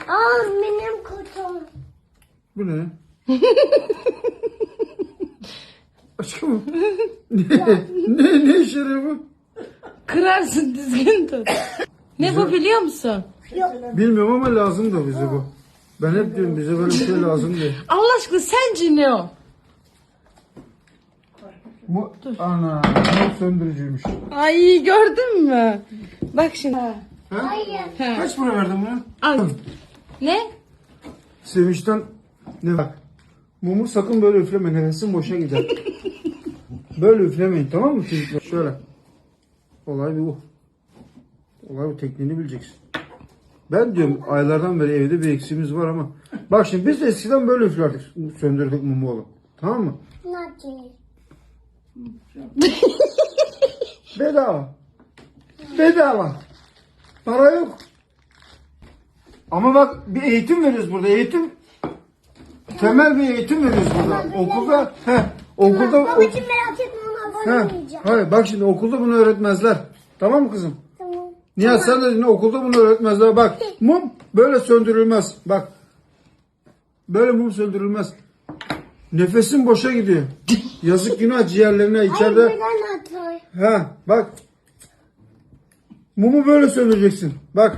Aa benim kutum. Bu ne? Aşkım. Ne işe yarıyor bu? Kırarsın, düzgün tut. Ne bu biliyor musun? Bilmiyorum ama lazım da bize bu. Ben hep diyorum bize böyle bir şey lazım diye. Allah aşkına sence ne o? Bu ana bu söndürücüymüş. Ay gördün mü? Bak şimdi. Ha? Hayır. Kaç para verdin buna? Al. Ne? Sevinçten ne bak. Mumu sakın böyle üfleme, nefesin boşa gider. Böyle üflemeyin, tamam mı çocuklar? Şöyle. Olay bu. Olay bu, tekniğini bileceksin. Ben diyorum aylardan beri evde bir eksiğimiz var ama. Bak şimdi biz de eskiden böyle üflerdik, söndürdük mumu oğlum. Tamam mı? Nasıl? Bedava. Bedava. Para yok. Ama bak bir eğitim veriyoruz burada. Eğitim. Temel bir eğitim veriyoruz burada. Okulda. Okulda. Babacığım merak etme, ona abone olmayacağım. Hayır bak şimdi okulda bunu öğretmezler. Tamam mı kızım? Tamam. Nihat sen de dinle, okulda bunu öğretmezler. Bak mum böyle söndürülmez. Bak. Böyle mum söndürülmez. Nefesin boşa gidiyor. Yazık günah ciğerlerine içeride. Ay buradan atıyor. Ha bak. Mumu böyle söndüreceksin. Bak.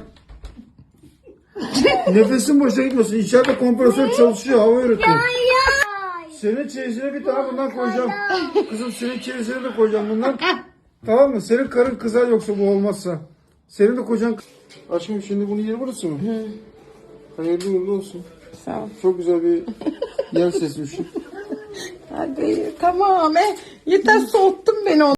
Nefesin boşa gitmesin. İçeride kompresör çalışıyor, hava üretiyor. Ay. Senin çeyizine bir tane bundan koyacağım. Kızım senin çeyizine de koyacağım bundan. Tamam mı? Senin karın kızar yoksa bu olmazsa. Senin de kocan... Aşkım şimdi bunun yeri burası mı? Hayırlı uğurlu olsun. Sağ ol. Çok güzel bir yer seçmişsin. Hadi tamam. Yeter soğuttun beni.